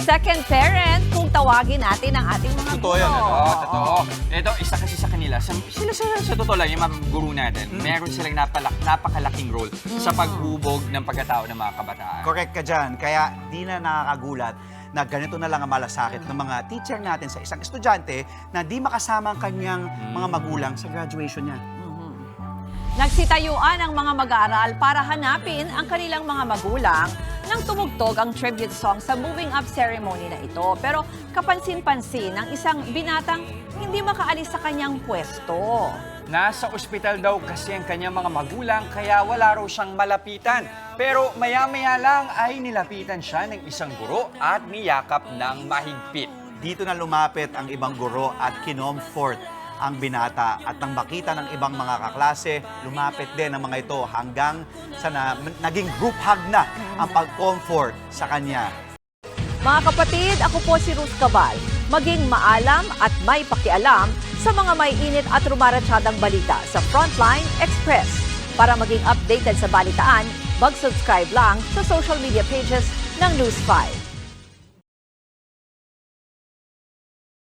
second parent kung tawagin natin ang ating mga Totoo yan, guro. ano? Totoo. Ito, isa kasi sa kanila, sila sa totoo lang, yung mga guru natin, meron silang napakalaking role sa paghubog ng pagkatao ng mga kabataan. Correct ka dyan. Kaya di na nakakagulat na ganito na lang ang malasakit ng mga teacher natin sa isang estudyante na di makasama ang kanyang mga magulang sa graduation niya. Nagsitayuan ang mga mag-aaral para hanapin ang kanilang mga magulang nang tumugtog ang tribute song sa moving up ceremony na ito. Pero kapansin-pansin ng isang binatang hindi makaalis sa kanyang pwesto. Nasa ospital daw kasi ang kanyang mga magulang kaya wala raw siyang malapitan. Pero maya-maya lang ay nilapitan siya ng isang guro at niyakap ng mahigpit. Dito na lumapit ang ibang guro at kinomfort ang binata at nang makita ng ibang mga kaklase, lumapit din ang mga ito hanggang sa naging group hug na ang pag-comfort sa kanya. Mga kapatid, ako po si Ruth Cabal. Maging maalam at may pakialam sa mga may init at rumaratsyadang balita sa Frontline Express. Para maging updated sa balitaan, mag-subscribe lang sa social media pages ng News 5.